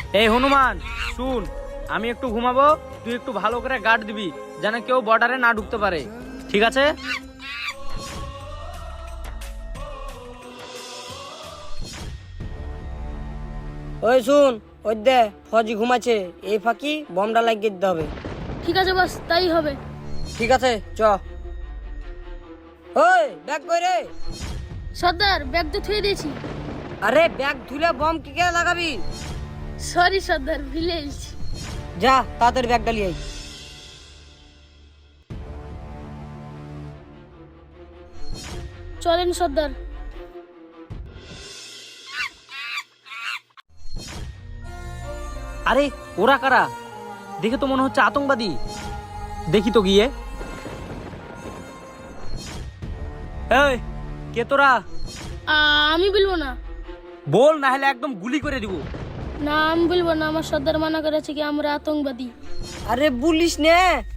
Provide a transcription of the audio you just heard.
এই হনুমান শুন, আমি একটু ঘুমাবো, তুই একটু ভালো করে গার্ড দিবি যেন কেউ বর্ডারে না ঢুকতে পারে, ঠিক আছে? ওই শুন, ওই দে ফৌজি ঘুমাচ্ছে, এই ফাঁকি বমটা লাগিয়ে দিতে হবে। ঠিক আছে বস, তাই হবে। ঠিক আছে চ। ওই ব্যাগ কই রে? সর্দার, ব্যাগ তো থুয়ে দিয়েছি। আরে ব্যাগ ধুলে বম কি কে লাগাবি? সরি সর্দার, ভুলে গেছি। যা তাড়াতাড়ি ব্যাগটা নিয়ে আয়। চলেন সর্দার। আরে ওরা কারা? দেখে তো মনে হচ্ছে আতঙ্কবাদী। দেখি তো গিয়ে। এই কে তোরা? আমি বলবো না। বল, না হলে একদম গুলি করে দিব। না, আমি বলবো না, আমার সর্দার মানা করেছে কি আমরা আতঙ্কবাদী। আরে বলিস নে,